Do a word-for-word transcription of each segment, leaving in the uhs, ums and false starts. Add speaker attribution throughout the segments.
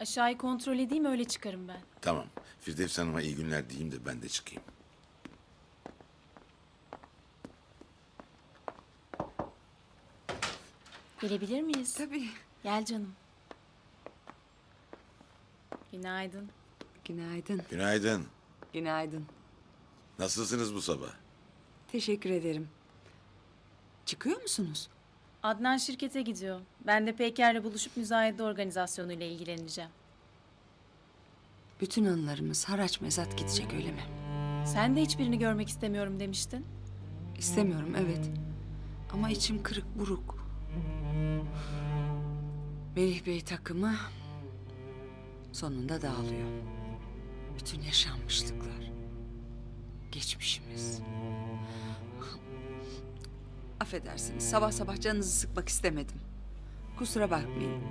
Speaker 1: Aşağıyı kontrol edeyim, öyle çıkarım ben.
Speaker 2: Tamam. Firdevs Hanım'a iyi günler diyeyim de ben de çıkayım.
Speaker 1: Gelebilir miyiz?
Speaker 3: Tabii.
Speaker 1: Gel canım. Günaydın.
Speaker 3: Günaydın.
Speaker 2: Günaydın.
Speaker 3: Günaydın.
Speaker 2: Nasılsınız bu sabah?
Speaker 3: Teşekkür ederim. Çıkıyor musunuz?
Speaker 1: Adnan şirkete gidiyor. Ben de Peyker'le buluşup müzayede organizasyonuyla ilgileneceğim.
Speaker 3: Bütün anılarımız haraç mezat gidecek öyle mi?
Speaker 1: Sen de hiçbirini görmek istemiyorum demiştin.
Speaker 3: İstemiyorum evet. Ama içim kırık buruk. Melih Bey takımı sonunda dağılıyor. Bütün yaşanmışlıklar. Geçmişimiz. Affedersiniz sabah sabah canınızı sıkmak istemedim. Kusura bakmayın.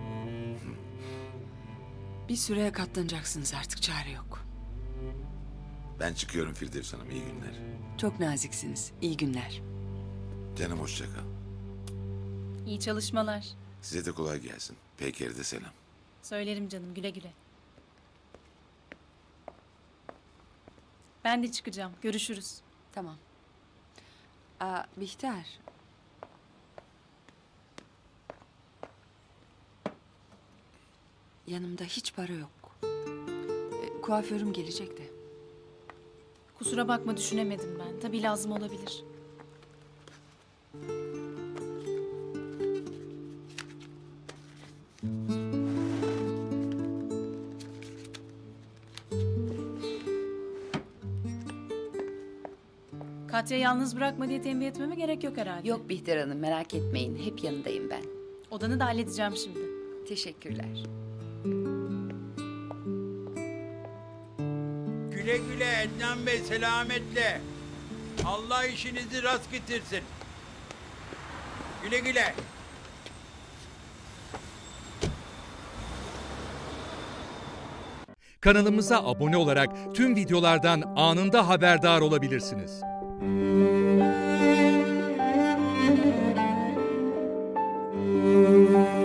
Speaker 3: Bir süreye katlanacaksınız artık, çare yok.
Speaker 2: Ben çıkıyorum Firdevs Hanım. İyi günler.
Speaker 3: Çok naziksiniz. İyi günler.
Speaker 2: Canım hoşça kal.
Speaker 1: İyi çalışmalar.
Speaker 2: Size de kolay gelsin. Peyker'e de selam.
Speaker 1: Söylerim canım, güle güle. Ben de çıkacağım. Görüşürüz.
Speaker 3: Tamam. Aa, Bihter. Yanımda hiç para yok. E, kuaförüm gelecek de.
Speaker 1: Kusura bakma, düşünemedim ben. Tabii lazım olabilir. Katya yalnız bırakma diye tembih etmeme gerek yok herhalde.
Speaker 4: Yok Bihter Hanım, merak etmeyin. Hep yanındayım ben.
Speaker 1: Odanı da halledeceğim şimdi.
Speaker 4: Teşekkürler.
Speaker 5: Güle güle Ednan Bey, selametle. Allah işinizi rast getirsin. Güle güle.
Speaker 6: Kanalımıza abone olarak tüm videolardan anında haberdar olabilirsiniz.
Speaker 7: Müzik